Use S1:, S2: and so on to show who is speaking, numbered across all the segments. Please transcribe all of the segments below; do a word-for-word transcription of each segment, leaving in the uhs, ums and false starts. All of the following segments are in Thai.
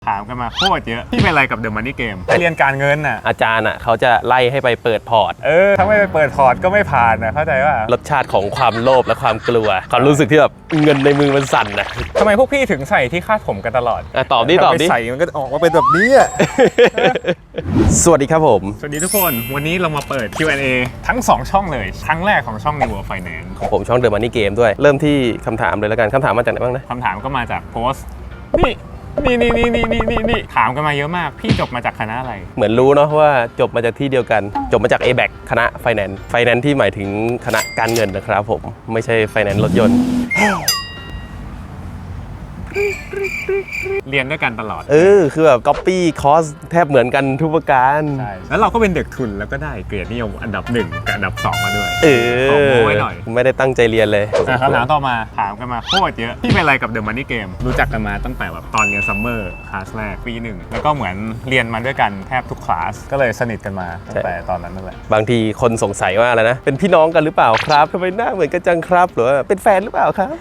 S1: ถามกันมาโคตรเยอะพี่เป็นอะไรกับเดอะมันนี่เกมไปเรียนการเงินน่ะ
S2: อาจารย์อ่ะเขาจะไล่ให้ไปเปิดพอร์ต
S1: เออถ้าไม่ไปเปิดพอร์ตก็ไม่ผ่านนะเข้าใจว่าร
S2: สชาติของความโลภและความกลัวความรู้สึกที่แบบเงินในมือมันสั่นนะ
S1: ทำไมพวกพี่ถึงใส่ที่คาดผมกันตลอด
S2: อ่ะตอบดิตอบดิ
S1: ใส่มันก็ออกมาเป็นแบบนี้อ่ะ
S2: สวัสดีครับผม
S1: สวัสดีทุกคนวันนี้เรามาเปิด คิว แอนด์ เอ ทั้งสองช่องเลยครั้งแรกของช่อง New World Finance
S2: ของผมช่อง The Money Game ด้วยเริ่มที่คำถามเลยแล้วกันคำถามมาจากไหนบ้างนะ
S1: คำถามก็มาจากโพสต์นี่นี่นี่นี่นี่นี่นี่ถามกันมาเยอะมากพี่จบมาจากคณะอะไร
S2: เหมือนรู้เนาะว่าจบมาจากที่เดียวกันจบมาจาก เอ แบค คณะ Finance Finance ที่หมายถึงคณะการเงินนะครับผมไม่ใช่ Finance รถยนต์
S1: เรียนด้วยกันตลอด
S2: เออคือแบบ copy course แทบเหมือนกันทุกประการ
S1: ใช่แล้วเราก็เป็นเด็กทุนแล้วก็ได้เกรดนิยมอันดับหนึ่งกับอันดับสองมาด้วย
S2: เออ
S1: ขอโม้ไว้หน่อย
S2: ไม่ได้ตั้งใจเรียนเลย
S1: คำถามต่อมาถามกันมาโคตรเยอะพี่เป็นอะไรกับเดอะมันนี่เกมรู้จักกันมาตั้งแต่แบบตอนเรียนซัมเมอร์คลาสแรกปีหนึ่งแล้วก็เหมือนเรียนมาด้วยกันแทบทุกคลาสก็เลยสนิทกันมาตั้งแต่ตอนนั้นนั่นแหละ
S2: บางทีคนสงสัยว่าอะไรนะเป็นพี่น้องกันหรือเปล่าครับทำไมหน้าเหมือนกันจังครับหรือว่าเป็นแฟนหรือเปล่าครับ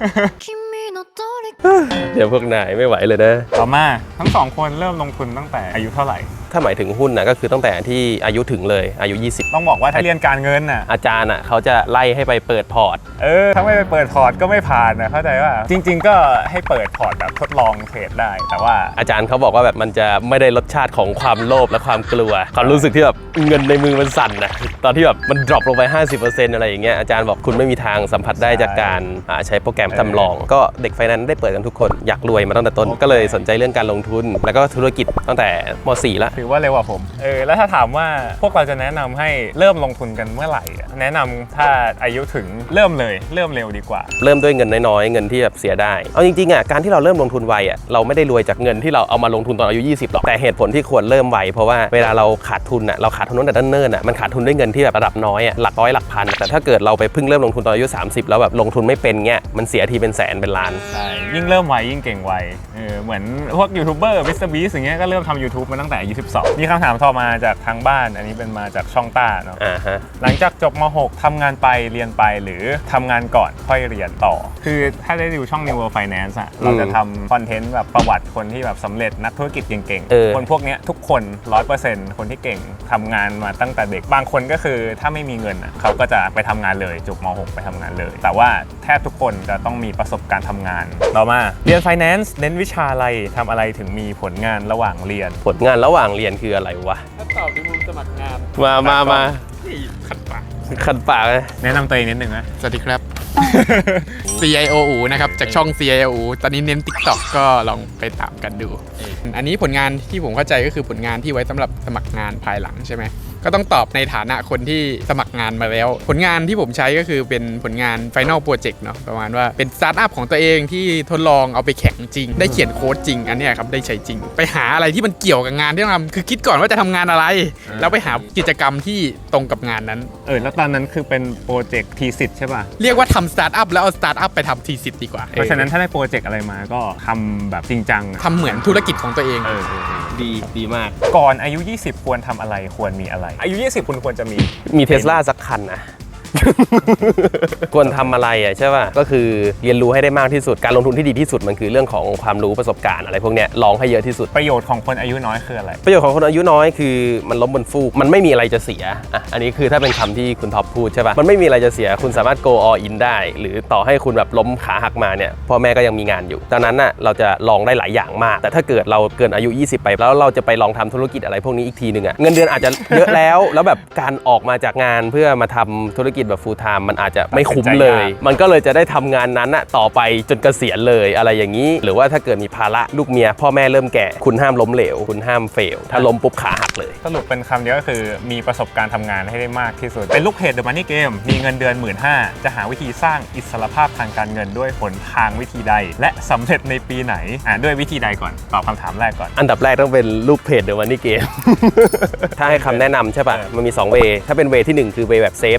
S2: เดี๋ยวพวกนายไม่ไหวเลยนะ
S1: ต่อมาทั้งสองคนเริ่มลงทุนตั้งแต่อายุเท่าไหร่
S2: ถ้าหมายถึงหุ้นนะก็คือตั้งแต่ที่อายุถึงเลยอายุยี่สิบ
S1: ต้องบอกว่าถ้าเรียนการเงินน่ะ
S2: อาจารย์อ่ะเขาจะไล่ให้ไปเปิดพอร์ต
S1: เออถ้าไม่ไปเปิดพอร์ตก็ไม่ผ่านนะเข้าใจว่าจริงๆก็ให้เปิดพอร์ตแบบทดลองเทรดได้แต่ว่า
S2: อาจารย์เขาบอกว่าแบบมันจะไม่ได้รสชาติของความโลภและความกลัวความรู้สึกที่แบบเงินในมือมันสั่นนะตอนที่แบบมันดรอปลงไป ห้าสิบเปอร์เซ็นต์ อะไรอย่างเงี้ยอาจารย์บอกคุณไม่มีทางสัมผัสได้จากการใช้โปรแกรมจำลองก็เด็กไฟแนนซ์ได้เปิดกันทุกคนอยากรวยมาตั้งแต่ต้นก็เลยสนใจเรื่องการลงทุนแล้วก็ธุรกิจตั้งแต่ม สี่ แล้ว
S1: ถือว่าเร็วกว่าผมเออแล้วถ้าถามว่าพวกเราจะแนะนำให้เริ่มลงทุนกันเมื่อไหร่แนะนำถ้าอายุถึงเริ่มเลยเริ่มเร็วดีกว่า
S2: เริ่มด้วยเงินน้อยๆเงินที่แบบเสียได้เอาจริงๆอ่ะการที่เราเริ่มลงทุนไวอ่ะเราไม่ได้รวยจากเงินที่เราเอามาลงทุนตอนอายุยี่สิบหรอกแต่เหตุผลที่ควรเริ่มไวเพราะว่าเวลาเราขาดทุนอ่ะเราขาดทุนตั้งแต่เนิ่นๆอ่ะมันขาดทุนด้วยเงินที่แบบระดับน้อยอ่ะหลักร้อยหลักพันแต่ถ้าเกิดเราไปเพิ่งเริ่มลงทุนตอนอายุสามสิบแล้วแบบลงทุนไม่เป็นเงี้ยมันเสียทีเป็นแสนเป็นล้าน
S1: ใช่ยิ่งเริ่มไวยิ่งเก่งไวเออเหมือนพวกยูทูบเบอร์มิสเตอร์บีสอย่างเงี้ยก็เริ่มทำ YouTube มาตั้งแต่อายุสิบสองมีคำถามต่อมาจากทางบ้านอันนี้เป็นมาจากช่องต้าเนาะหลังจากจบม หก ทำงานไปเรียนไปหรือทำงานก่อนค่อยเรียนต่อคือถ้าได้ดูช่อง New World Finance อะเราจะทำคอนเทนต์แบบประวัติคนที่แบบสำเร็จนักธุรกิจเก่งๆคนพวกนี้ทุกคน ร้อยเปอร์เซ็นต์ คนที่เก่งทำงานมาตั้งแต่เด็กบางคนก็คือถ้าไม่มีเงินอะเขาก็จะไปทำงานเลยจบม หก ไปทำงานเลยแต่ว่าแทบทุกคนจะต้องมีประสบการณ์ทำงานต่อมาเรียน Finance เน้นวิชาอะไรทำอะไรถึงมีผลงานระหว่างเรียน
S2: ผลงานระหว่างเรียนคืออะไรวะ
S1: ถ้าตอบในมุมสมัครงาน
S2: มามามา
S1: ขัดปาก
S2: ขัดปากเลย
S1: แนะนำตัวเองนิดนึงนะ
S3: สวัสดีครับ ซี ไอ โอ อูนะครับจากช่อง ซี ไอ โอ อูตอนนี้เน้น TikTok ก็ลองไปตามกันดูอันนี้ผลงานที่ผมเข้าใจก็คือผลงานที่ไว้สำหรับสมัครงานภายหลังใช่ไหมก็ต้องตอบในฐานะคนที่สมัครงานมาแล้วผลงานที่ผมใช้ก็คือเป็นผลงาน Final Project เนาะประมาณว่าเป็นสตาร์ทอัพของตัวเองที่ทดลองเอาไปแข่งจริงได้เขียนโค้ดจริงอันนี้ครับได้ใช้จริงไปหาอะไรที่มันเกี่ยวกับงานที่ต้องทำคือคิดก่อนว่าจะทำงานอะไรแล้วไปหากิจกรรมที่ตรงกับงานนั้น
S1: เออแล้วตอนนั้นคือเป็นโปรเจกต์ทีสิทธ์ใช่ป่ะ
S3: เรียกว่าทำสตาร์ทอัพแล้วเอาสตาร์ทอัพไปทำทีสิทธ์ดีกว่า
S1: เพราะฉะนั้นถ้าได้โปรเจกต์อะไรมาก็ทำแบบจริงจัง
S3: ทำเหมือนธุรกิจของตัวเอง
S1: เออ
S2: ดีดีมาก
S1: ก่อนอายุยี่สิบควรทำอะไรควรมีอะไรอายุยี่สิบคุณควรจะมี
S2: มีเทสลาสักคันนะ ควรทำอะไรอ่ะใช่ป่ะก็คือเรียนรู้ให้ได้มากที่สุดการลงทุนที่ดีที่สุดมันคือเรื่องของความรู้ประสบการณ์อะไรพวกเนี้ยลองให้เยอะที่สุด
S1: ประโยชน์ของคนอายุน้อยคืออะไร
S2: ประโยชน์ของคนอายุน้อยคือมันล้มบนฟูกมันไม่มีอะไรจะเสียอ่ะอันนี้คือถ้าเป็นคำที่คุณท็อปพูดใช่ป่ะมันไม่มีอะไรจะเสียคุณสามารถ go all in ได้หรือต่อให้คุณแบบล้มขาหักมาเนี่ยพ่อแม่ก็ยังมีงานอยู่ดังนั้นน่ะเราจะลองได้หลายอย่างมากแต่ถ้าเกิดเราเกินอายุยี่สิบไปแล้วเราจะไปลองทำธุรกิจอะไรพวกนี้อีกทีนึงอ่ะเงินเดือนอาจจะเยอะแล้วแล้วแบบการออกมาจากงานเพื่อมาทำธุรกิจแบบ full time มันอาจจะไม่คุ้มเลยมันก็เลยจะได้ทำงานนั้นน่ะต่อไปจนเกษียณเลยอะไรอย่างนี้หรือว่าถ้าเกิดมีภาระลูกเมียพ่อแม่เริ่มแก่คุณห้ามล้มเหลวคุณห้ามเฟลถ้าล้มปุ๊บขาหักเลย
S1: สรุปเป็นคำเดียวก็คือมีประสบการณ์ทำงานให้ได้มากที่สุดเป็นลูกเพจ The Money Game มีเงินเดือน หนึ่งหมื่นห้าพัน จะหาวิธีสร้างอิสรภาพทางการเงินด้วยหนทางวิธีใดและสำเร็จในปีไหนอ่าด้วยวิธีใดก่อนตอบคำถามแรกก่อน
S2: อันดับแรกต้องเป็นลูกเพจ The Money Game ถ้าให้คำแนะนำใช่ป่ะมันมีสองเวถ้าเป็นเวที่หนึ่งคือเวแบบเซฟก็คือทำ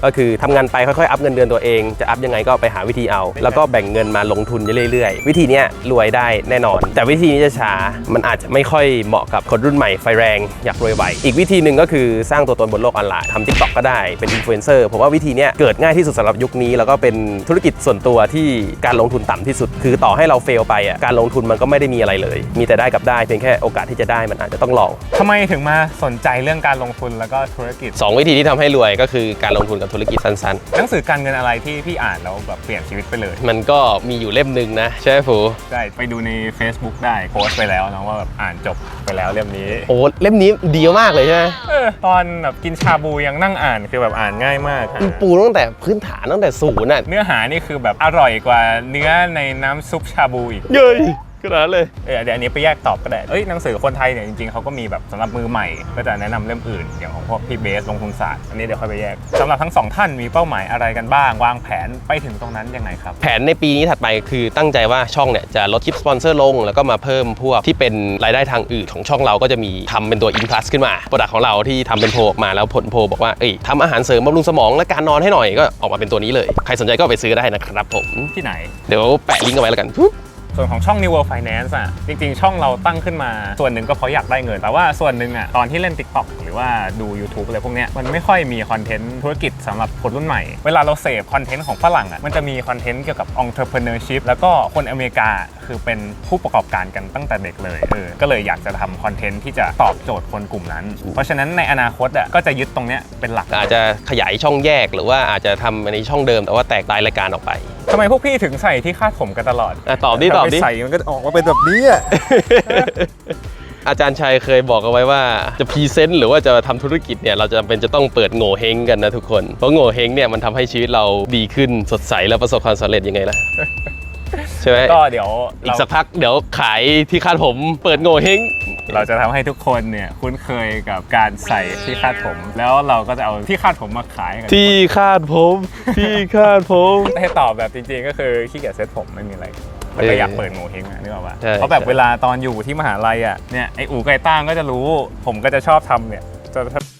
S2: ำงานไปค่อยๆอัพเงินเดือนตัวเองจะอัพยังไงก็ไปหาวิธีเอาแล้วก็แบ่งเงินมาลงทุนเรื่อยๆวิธีนี้รวยได้แน่นอนแต่วิธีนี้จะช้ามันอาจจะไม่ค่อยเหมาะกับคนรุ่นใหม่ไฟแรงอยากรวยไวอีกวิธีหนึ่งก็คือสร้างตัวตนบนโลกออนไลน์ทำ TikTok ก็ได้เป็นอินฟลูเอนเซอร์ผมว่าวิธีนี้เกิดง่ายที่สุดสำหรับยุคนี้แล้วก็เป็นธุรกิจส่วนตัวที่การลงทุนต่ำที่สุดคือต่อให้เราเฟลไปอ่ะการลงทุนมันก็ไม่ได้มีอะไรเลยมีแต่ได้กับได้เพียงแค่โอกาสที่จะได้มันอาจจะต้องลอง
S1: ทำไมถึงมาสนใจเรื่องการลงทุนแล้วก็ธุรกิจ
S2: สองวิธีที่ทำให้รวยก็คือการลงทุนกับธุรกิจสั้น
S1: ๆหนังสือการเงินอะไรที่พี่อ่านแล้วแบบเปลี่ยนชีวิตไปเลย
S2: มันก็มีอยู่เล่มนึงนะใช่ไหมฟู
S1: ใช่ไปดูใน Facebook ได้โพสต์ไปแล้วนะว่าแบบอ่านจบไปแล้วเล่มนี้
S2: โอ้เล่มนี้ดีมากเลยใช่ไหม
S1: เออตอนแบบกินชาบูยังนั่งอ่านคือแบบอ่านง่ายมาก
S2: ปูตั้งแต่พื้นฐานตั้งแต่ศูนย์น่ะ
S1: เนื้อหานี่คือแบบอร่อยกว่าเนื้อในน้ำซุปชาบูอีก
S2: เย้ยขนาดเลย
S1: เออเดี๋ยวอันนี้ไปแยกตอบก็ได้เอ้ยหนังสือคนไทยเนี่ยจริงๆเขาก็มีแบบสำหรับมือใหม่ก็จะแนะนำเล่มอื่นอย่างของพวกพี่เบสลงทุนศาสตร์อันนี้เดี๋ยวค่อยไปแยกสำหรับทั้งสองท่านมีเป้าหมายอะไรกันบ้างวางแผนไปถึงตรงนั้นยังไงครับ
S2: แผนในปีนี้ถัดไปคือตั้งใจว่าช่องเนี่ยจะลดคลิปสปอนเซอร์ลงแล้วก็มาเพิ่มพวกที่เป็นรายได้ทางอื่นของช่องเราก็จะมีทำเป็นตัว In Plus ขึ้นมาโปรดักต์ของเราที่ทำเป็นโพลออกมาแล้วผลโพลบอกว่าเอ้ยทำอาหารเสริมบำรุงสมองและการนอนให้หน่อยก็ออกมาเป็นตัวนี้เลยใครสนใจก็ไปซื้อได้นะครับผม
S1: ที่ไหน
S2: เดี๋ยวแปะลิงก์เอาไว้แล้วกัน
S1: ส่วนของช่อง New World Finance อ่ะจริงๆช่องเราตั้งขึ้นมาส่วนหนึ่งก็เพราะอยากได้เงินแต่ว่าส่วนหนึ่งอ่ะตอนที่เล่น TikTok หรือว่าดู YouTube อะไรพวกเนี้ยมันไม่ค่อยมีคอนเทนต์ธุรกิจสำหรับคนรุ่นใหม่เวลาเราเสพคอนเทนต์ของฝรั่งอ่ะมันจะมีคอนเทนต์เกี่ยวกับ entrepreneurship แล้วก็คนอเมริกาคือเป็นผู้ประกอบการกันตั้งแต่เด็กเลยเออก็เลยอยากจะทำคอนเทนต์ที่จะตอบโจทย์คนกลุ่มนั้นเพราะฉะนั้นในอนาคตอ่ะก็จะยึดตรงเนี้ยเป็นหลัก
S2: อาจจะขยายช่องแยกหรือว่าอาจจะทำในช่องเดิมแต่ว่าแตกรายรายการออกไป
S1: ทำไมพวกพี่ถึงใส่ที่คาดผมกันตลอด
S2: ตอบดิตอบดิ
S1: ใส่มันก็ออกมาเป็นแบบนี้อ่ะ
S2: อาจารย์ชัยเคยบอกเอาไว้ว่าจะพรีเซนต์หรือว่าจะทำธุรกิจเนี่ยเราจะเป็นจะต้องเปิดโง่เฮงกันนะทุกคนเพราะโง่เฮงเนี่ยมันทำให้ชีวิตเราดีขึ้นสดใสและประสบความสำเร็จยังไงล่ะใช่ไหม
S1: ก็เดี๋ยว
S2: อีกสักพักเดี๋ยวขายที่คาดผมเปิดโง่เฮง
S1: เราจะทำให้ทุกคนเนี่ยคุ้นเคยกับการใส่ที่คาดผมแล้วเราก็จะเอาที่คาดผมมาขายกัน
S2: ที่คาดผมที่คาดผม
S1: ให้ตอบแบบจริงๆก็คือขี้เกียจเซ็ตผมไม่มีอะไรแต่ก็อยากเปิดโง่เฮงอ่ะนึกออกป่ะเพราะแบบเวลาตอนอยู่ที่มหาลัยอ่ะเนี่ยไอ้อู๋ไก่ต้างก็จะรู้ผมก็จะชอบทำเนี่ยจะ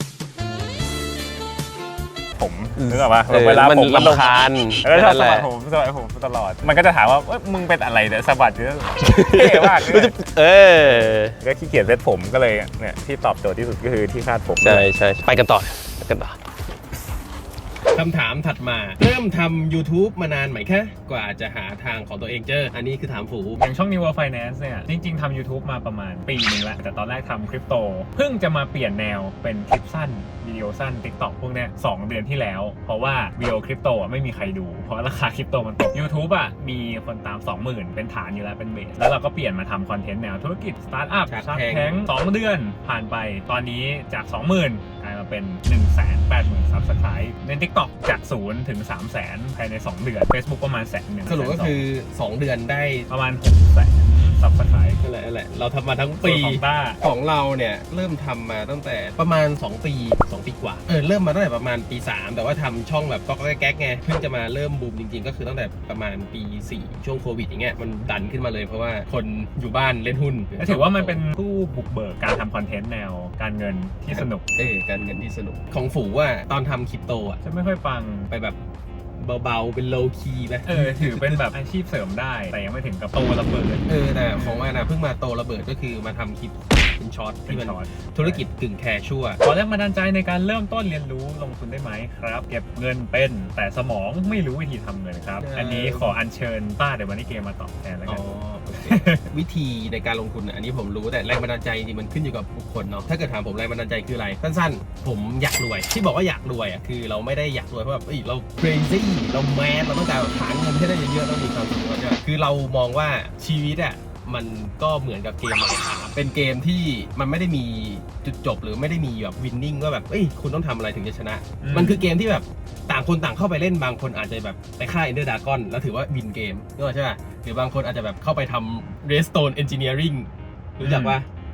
S1: ผมนึกออกป่ะเวลาผมมัน
S2: รำคาญ
S1: แล้วชอบสะบัดผมสะบัดผมตลอดมันก็จะถามว่ามึงเป็นอะไรเนี่ยสะบัดเยอะเท่มาก
S2: เออ
S1: ก็ขี้เกียจเซ็ตผมก็เลยเนี่ยที่ตอบโจทย์ที่สุดก็คือที่คาดผม
S2: ใช่ใช่ไปกันต่อกันต่อคำถามถัดมาเริ่มทำ YouTube มานานไหมคะกว่าจะหาทางของตัวเองเจออันนี้คือถามฝู
S1: อย่างช่อง New World Finance เนี่ยจริงๆทำ YouTube มาประมาณปีนึงแล้วแต่ตอนแรกทำคริปโตเพิ่งจะมาเปลี่ยนแนวเป็นคลิปสั้นวิดีโอสั้น TikTok พวกเนี้ยสองเดือนที่แล้วเพราะว่าวิดีโอคริปโตอ่ะไม่มีใครดูเพราะราคาคริปโตมันตก YouTube อ่ะมีคนตาม สองหมื่น เป็นฐานอยู่แล้วเป็นเบสแล้วเราก็เปลี่ยนมาทำคอนเทนต์แนวธุรกิจสตาร์ทอัพชาร์กแทงสองเดือนผ่านไปตอนนี้จาก สองหมื่น กลายมาเป็น หนึ่งแสนแปดหมื่น ซับสไครบ์ใน TikTok จากศูนย์ถึง สามแสน ภายในสองเดือน Facebook ประมาณแสนหนึ่ง
S2: สรุปก็คือสองเดือนได้
S1: ประมาณหกแสนซับสไครบ์
S2: นั่นแหละนั่นแหละเราทำมาทั้งปีของเราเนี่ยเริ่มทำมาตั้งแต่ประมาณสองปีสองปีกว่าเออเริ่มมาตั้งแต่ประมาณปีสามแต่ว่าทำช่องแบบก็แก๊กไงเพิ่งจะมาเริ่มบูมจริงๆก็คือตั้งแต่ประมาณปีสี่ช่วงโควิดอย่างเงี้ยมันดันขึ้นมาเลยเพราะว่าคนอยู่บ้านเล่นหุ้น
S1: ถือว่ามันเป็นผู้บุกเบิกการทำคอนเทนต์แนวการเงินที่สนุก
S2: เออการเงินที่สนุกของฝูว่าตอนทำคริปโตอ่ะ
S1: จะไม่ค่อยฟัง
S2: ไปแบบเบาๆเป็นโลคีไหม
S1: เออถือเป็นแบบอาชีพเสริมได้แต่ยังไม่ถึงกับโตระเบิด
S2: เออแต่ของว่านะเพิ่งมาโตระเบิดก็คือมาทำคลิปเป็นช็อตที่เป็นธุรกิจกึ่งแคชชัว
S1: ขอแรงบันดาลใจในการเริ่มต้นเรียนรู้ลงทุนได้ไหมครับเก็บเงินเป็นแต่สมองไม่รู้วิธีทำเงินครับอันนี้ขออัญเชิญป้าเดี๋ยววันนี้เกมมาตอบแทนแล้วกัน
S2: วิธีในการลงทุนอันนี้ผมรู้แต่แรงบันดาลใจจริงมันขึ้นอยู่กับบุคคลเนาะถ้าเกิดถามผมแรงบันดาลใจคืออะไรสั้นๆผมอยากรวยที่บอกว่าอยากรวยอ่ะคือเราไม่ได้อยากรวยเพราะแบบเรา crazy เราแมสเราต้องการหาเงินให้ได้เยอะๆต้องมีความสุขใช่ไหมคือเรามองว่าชีวิตอ่ะมันก็เหมือนกับเกมMinecraftเป็นเกมที่มันไม่ได้มีจุดจบหรือไม่ได้มีแบบวินนิ่งว่าแบบเอ้ยคุณต้องทำอะไรถึงจะชนะมันคือเกมที่แบบต่างคนต่างเข้าไปเล่นบางคนอาจจะแบบไปฆ่า Ender Dragon แล้วถือว่าวินเกมใช่ไหมหรือบางคนอาจจะแบบเข้าไปทำ Redstone Engineering รู้จักปะ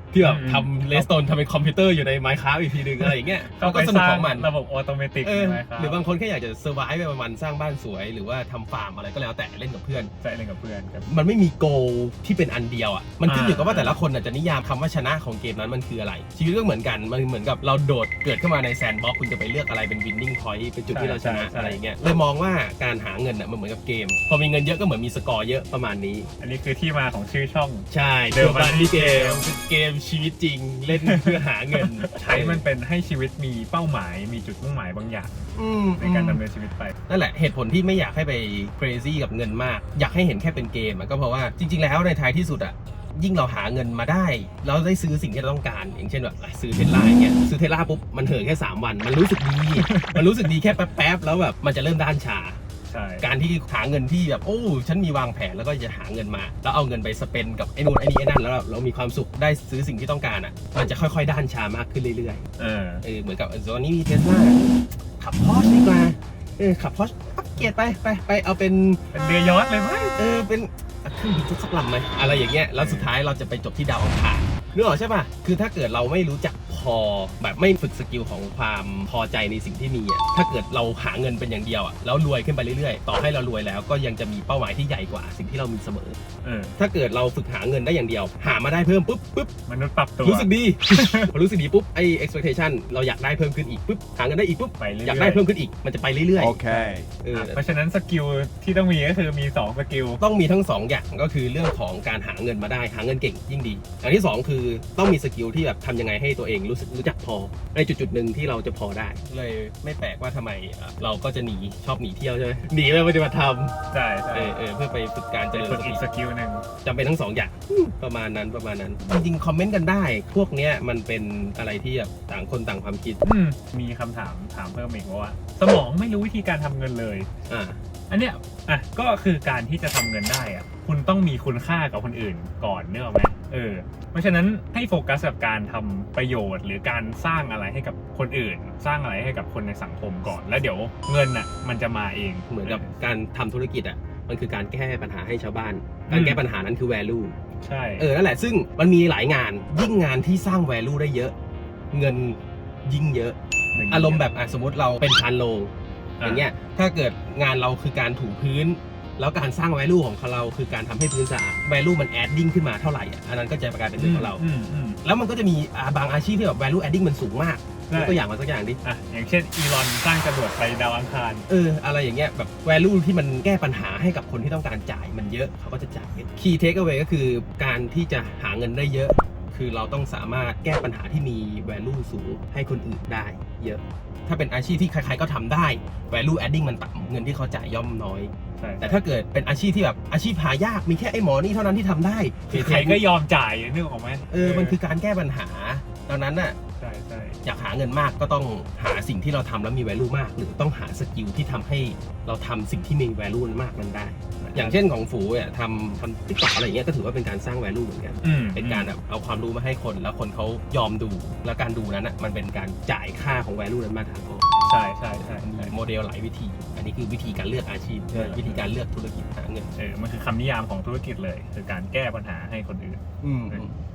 S2: ที่แบบทำเลสโตนทำเป็นคอมพิวเตอร์อยู่ใน Minecraft อีกทีนึงอะไรอย่างเงี้ย
S1: ก็
S2: ก็
S1: ไป
S2: ส
S1: ส
S2: นุก
S1: ร้าง
S2: ของมัน
S1: ระบบออโตเมติก
S2: เออ
S1: ใช่ไหมครับ
S2: หรือบางคนแค่อยากจะเซอร์ไวฟ์ไปวันๆสร้างบ้านสวยหรือว่าทำฟาร์มอะไรก็แล้วแต่เล่นกับเพื่อน
S1: ใช่เล่นกับเพื่อนครับ
S2: มันไม่มีโกที่เป็นอันเดียวอ่ะมันขึ้นอยู่กับว่า
S1: อ่า
S2: แต่ละคนน่ะจะนิยามคำว่าชนะของเกมนั้นมันคืออะไร ชีวิตก็เหมือนกันมันเหมือนกับเราโดดเกิดขึ้นมาในแซนด์บ็อกซ์คุณจะไปเลือกอะไรเป็น winning point เป็นจุดที่เราชนะอะไรอย่างเงี้ยเลยมองว่าการหาเงินอ่ะมันเหมือนกับเกมพอมีเงินเยอะก็เหมือนมีสกอร์เยอะประมาณนี้
S1: อันนี้คือที่มาของชื่อช่อง
S2: ใช่
S1: เดิมพันที่เกม
S2: เป็นเกมชีวิตจริงเล่นเพื่อหาเงิน
S1: ใช้มันเป็นให้ชีวิตมีเป้าหมายมีจุดมุ่งหมายบางอย่าง
S2: อืม
S1: ในการดำเนินชีวิตไป
S2: นั่นแหละเหตุผลที่ไม่อยากให้ไป crazy กับเงินมาก อยากให้เห็นแค่เป็นเกมอะก็เพราะว่าจริง ๆ แล้วในท้ายที่สุดอะยิ่งเราหาเงินมาได้เราได้ซื้อสิ่งที่เราต้องการ อย่างเช่นแบบซื้อเทสลาอย่างเงี้ยซื้อเทสลาปุ๊บมันเหินแค่สามวันมันรู้สึกดี มันรู้สึกดีแค่แป๊บๆแล้วแบบมันจะเริ่มด้านชา
S1: ใช่
S2: การที่หาเงินที่แบบโอ้ฉันมีวางแผนแล้วก็จะหาเงินมาแล้วเอาเงินไปสเปนกับไอ้นู่นไอ้นี่ไอ้นั่นแล้วเราเรามีความสุขได้ซื้อสิ่งที่ต้องการอ่ะมันจะค่อยๆด้านชามากขึ้นเรื่อย
S1: เออ
S2: ๆเออเหมือนกับตอนนี้มีเทสลาขับพอร์ชดีกว่าเออขับพอร์ชอัปเกรดไปไปไปเอาเป็น
S1: เป็นเรือยอชต์เลยไหม
S2: เออเป็นเครื่องบินสักลำไหมอะไรอย่างเงี้ยแล้วสุดท้ายเราจะไปจบที่ดาวอังคารนึกออกใช่ป่ะคือถ้าเกิดเราไม่รู้จักพอแบบไม่ฝึกสกิลของความพอใจในสิ่งที่มีอ่ะถ้าเกิดเราหาเงินเป็นอย่างเดียวอ่ะแล้วรวยขึ้นไปเรื่อยๆต่อให้เรารวยแล้วก็ยังจะมีเป้าหมายที่ใหญ่กว่าสิ่งที่เรามีเสมอ
S1: เออ
S2: ถ้าเกิดเราฝึกหาเงินได้อย่างเดียว หามาได้เพิ่มปุ๊บปุ๊บ
S1: มนุษย์ปรับตัว
S2: รู้สึกดี พอรู้สึกดีปุ๊บไอ้ expectation เราอยากได้เพิ่มขึ้นอีกปุ๊บหาเงินได้อีกปุ๊บ
S1: ไปเรื่อยๆ
S2: อยากได้เพิ่มขึ้นอีกมันจะไปเรื่อยๆ
S4: Okay.
S2: เออ
S1: เพราะฉะนั้นสกิลที่ต้องมีก็คือมีสองสกิล
S2: ต้องมีทั้งสองอย่างก็คือเรื่องของการหาเงินมาได้หาเงินเก่งยิ่งดีอันที่สองคือต้องมีสกิลที่แบบทำยังไงให้ตัวเองรู้สึกรู้จักพอในจุดจุดๆหนึ่งที่เราจะพอได้ เลยไม่แปลกว่าทำไมเอ่อเราก็จะหนีชอบหนีเที่ยวใช่ไหมหนีไปปฏิบัติธรรม
S1: ใช่ใช่
S2: เออเออเพื่อไปฝึกการเจ
S1: จะ
S2: ริญ
S1: ฝึ
S2: ส
S1: ก
S2: ติ
S1: อีกสกิลหนึ่ง
S2: จำเป็นทั้งสองอย่างอืมประมาณนั้นประมาณนั้น จริงๆ คอมเมนต์กันได้ พวกเนี้ยมันเป็นอะไรที่แบบต่างคนต่างความคิด
S1: อืมมีคำถามถามเพิ่มอีกว่า สมองไม่รู้วิธีการทำเงินเลย
S2: อ่า
S1: อันเนี้ยอ่ะก็คือการที่จะทำเงินได้อ่ะคุณต้องมีคุณค่ากับคนอื่นก่อนเนกอะไหมเออเพราะฉะนั้นให้โฟกัสกับการทำประโยชน์ หรือการสร้างอะไรให้กับคนอื่น สร้างอะไรให้กับคนในสังคมก่อน แล้วเดี๋ยวเงินอ่ะมันจะมาเอง
S2: เหมือนกับการทำธุรกิจอ่ะมันคือการแก้ปัญหาให้ชาวบ้าน การแก้ปัญหานั้นคือ value
S1: ใช่
S2: เออนั่นแหละซึ่งมันมีหลายงานยิ่งงานที่สร้าง value ได้เยอะ เงินยิ่งเยอะ อารมณ์แบบอ่ะสมมติเราเป็นพานโรงอย่างเงี้ยถ้าเกิดงานเราคือการถูพื้น แล้วการสร้าง value ของเราคือการทำให้พื้นสะอาด value มัน adding ขึ้นมาเท่าไหร่อ่ะอันนั้นก็จะกลายเป็นเรื่องของเรา
S1: อืมอืม
S2: แล้วมันก็จะมีอ่าบางอาชีพที่แบบ value adding มันสูงมากยกตัวอย่างมาสักอย่างดิ
S1: อ่ะอย่างเช่นอีลอนสร้างจรวดไปดาวอังคาร
S2: เอออะไรอย่างเงี้ยแบบ value ที่มันแก้ปัญหาให้กับคนที่ต้องการจ่ายมันเยอะเขาก็จะจ่าย key takeaway ก็คือการที่จะหาเงินได้เยอะ คือเราต้องสามารถแก้ปัญหาที่มี value สูงให้คนอื่นได้เยอะ ถ้าเป็นอาชีพที่ใครๆก็ทำได้ value adding มันต่ำเงินที่เขาจ่ายย่อมน้อย
S1: ใช่
S2: แต่ถ้าเกิดเป็นอาชีพที่แบบอาชีพหายากมีแค่ไอ้หมอนี่เท่านั้นที่ทำได้
S1: คือใครก็ยอมจ่ายนึกออกไหม
S2: เออมันคือการแก้ปัญหาดังนั้นน่ะ
S1: ใช่ใช่
S2: อยากหาเงินมากก็ต้องหาสิ่งที่เราทำแล้วมี value มาก หรือต้องหาสกิลที่ทำให้เราทำสิ่งที่มี value มากนั้นได้ อย่างเช่นของฝูเนี่ยทำทำติ๊กต็อกอะไรอย่างเงี้ยก็ถือว่าเป็นการสร้าง value เหมือนกัน
S1: อืม
S2: เป็นการแบบเอาความรู้มาให้คนแล้วคนเขายอมดู แล้วการดูนั้นอ่ะมันเป็นการจ่ายค่าของ value นั้นมาทางออก
S1: ใช่ใช่ใช่
S2: มีโมเดลหลายวิธี อันนี้คือวิธีการเลือกอาชีพ
S1: ใช่
S2: วิธีการเลือกธุรกิจหาเงิน
S1: เออมันคือคำนิยามของธุรกิจเลย คือการแก้ปัญหาให้คนอื่น
S2: อืม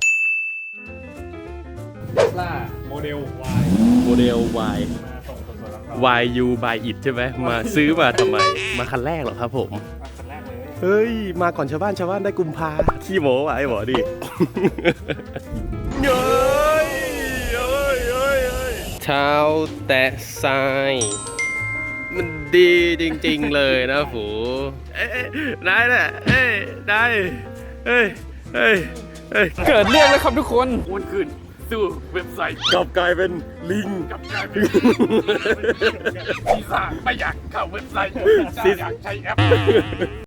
S3: ล่า
S1: โมเดล Y
S2: โมเดล Y
S1: มาส่งสดๆร้อน
S2: Y U by it ใช่ไหมมาซื้อมาทำไม มาคันแรกเหรอครับผม
S1: ๆคันแรกเลย
S2: เฮ้ย มาก่อนชาวบ้านชาวบ้านได้กุมภาขี้โม้ว่ะไอ้หมอดิเฮ้ยเฮ้ยเฮ้ยเฮ้ยเช้าแตะทรายมันดีจริงๆเลยนะฝูเอ้ยได้แหละเอ้ยได้เฮ้ยเฮ้ยเฮ้ย
S3: เกิดเรื่องแล้วครับทุกคนโอนขึ้นสู่เว็บไซต์
S2: กลับกลายเป็นลิง
S3: กับการเป็นซีซ่าไม่อยากเข้าเว็บไซต์ซีซ่าอยากใช้แอป